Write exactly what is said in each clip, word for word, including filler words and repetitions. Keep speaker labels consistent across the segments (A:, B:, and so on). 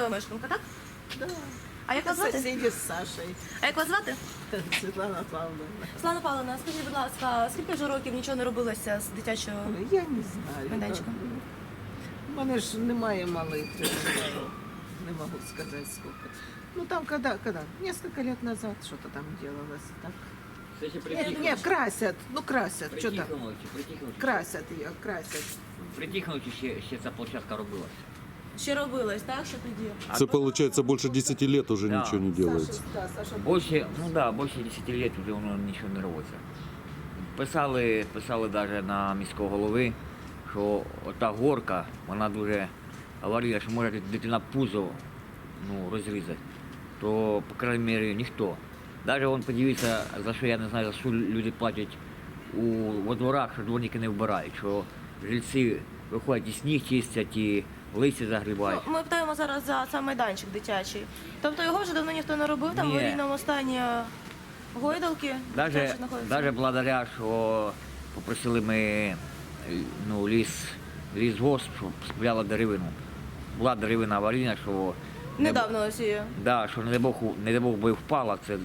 A: місцева мешканка, так?
B: Да.
A: А як вас звати?
B: Соседи с Сашей.
A: А як вас звати?
B: Светлана Павловна.
A: Слава Павловна, скажіть, будь ласка, скільки вже років нічого не робилося з дитячого?
B: Ой, я не знаю.
A: Майданчика.
B: У мене ж немає малих, я не можу сказати сколько. Ну там когда, когда? Несколько лет назад что-то там делалось. Так.
C: Кстати,
B: Нет,
C: притихнуть,
B: нет, красят, ну красят, что там.
C: притихнуть, притихнуть.
B: Красят ее, красят.
C: Притихнуть ще, ще ця площадка робилася.
A: Ще робилось, так? Що тоді?
D: Это получается больше десяти лет уже
C: Да.
D: ничего не делается.
B: Саша, да, Саша.
C: Більше, ну да, більше десяти років вже воно нічого не робиться. Писали, писали навіть на міського голови, що ота горка, вона дуже аварійна, що може дитина пузо ну, розрізати. То, по крайній мірі, ніхто. Навіть вон подивіться, за що я не знаю, за що люди платять у во дворах, що дворники не вбирають, що жильці виходять і сніг чистять, і листя загрібають.
A: Ну, ми питаємо зараз за сам майданчик дитячий. Тобто його вже давно ніхто не робив, там в
C: Ні.
A: аварійному стані гойдалки.
C: Даже,
A: дитячі знаходяться.
C: даже благодаря, що попросили ми ну, ліс, лісгосп, щоб спиляла деревину. Була деревина аварійна, що не б-
A: Недавно ось її.
C: да, що не дай Бог, не дай Бог би впала, це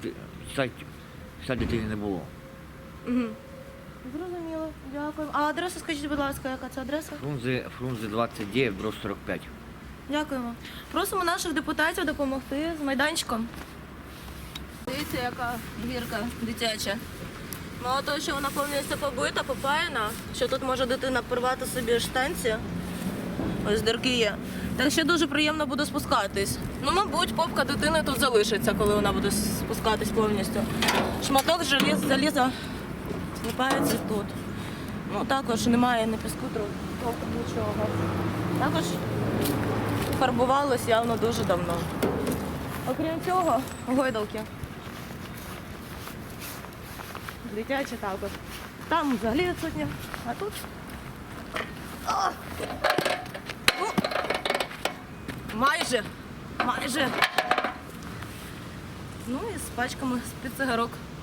C: ще дитини не було.
A: Угу. Зрозуміло, дякую. А адресу скажіть, будь ласка, яка це адреса?
C: Фрунзе, Фрунзе двадцять дев'ять, дроб сорок п'ять.
A: Дякуємо. Просимо наших депутатів допомогти з майданчиком. Дивіться, яка гірка дитяча. Мало того, що вона повністю побита, попаяна, що тут може дитина порвати собі штанці. Ось дірки є. Так ще дуже приємно буде спускатись. Ну, мабуть, попка дитини тут залишиться, коли вона буде спускатись повністю. Шматок желіз, заліза злипається тут. Ну, також немає ні піску, трохи нічого. Також фарбувалось явно дуже давно. Окрім цього, гойдалки. Дитячі також. Там взагалі відсутні, а тут. О! Ну, майже, майже. Ну і з пачками з-під цигарок.